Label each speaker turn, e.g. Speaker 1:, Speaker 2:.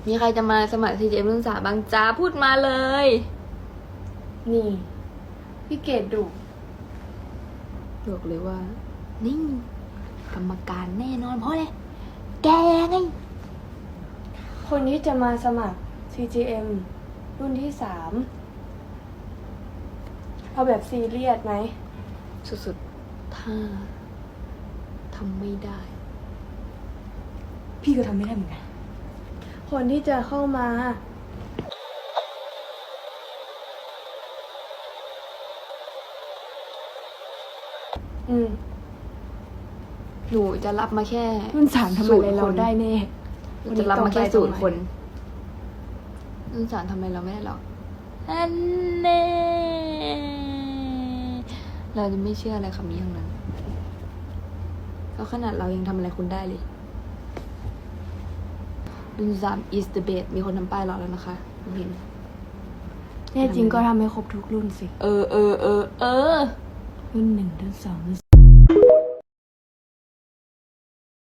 Speaker 1: มีใครจะมาสมัคร CGM รุ่น 3บ้างจ้าพูดมาเลย
Speaker 2: นี่พี่เกดดุ
Speaker 1: บอกเลยว่า นิ่งกรรมการแน่นอนเพราะอะไรแกไง
Speaker 2: คนที่จะมาสมัคร CGM รุ่นที่ 3เอาแบบซีเรียสไหม
Speaker 1: สุดๆ ถ้าทำไม่ได้
Speaker 2: พี่ก็ทำไม่ได้เหมือนกัน คนที่จะเข้ามา
Speaker 1: หนูจะรับมาแค่
Speaker 2: รุ่น 3ทำอะไรเราได้แน่
Speaker 1: หนูจะรับมาแค่0 คนรุ่น 3ทำอะไรเราไม่ได้หรอกอันแน่เราจะไม่เชื่ออะไรคำนี้ทั้งนั้นเพราะขนาดเรายังทำอะไรคุณได้เลยรุ่น 3 is the best มีคนทำป้ายรอแล้วนะคะผมเห็น
Speaker 2: แน่จริงก็ทำให้ครบทุกรุ่นสิ
Speaker 1: เออ
Speaker 2: รุ่น 1 รุ่น 2 รุ่น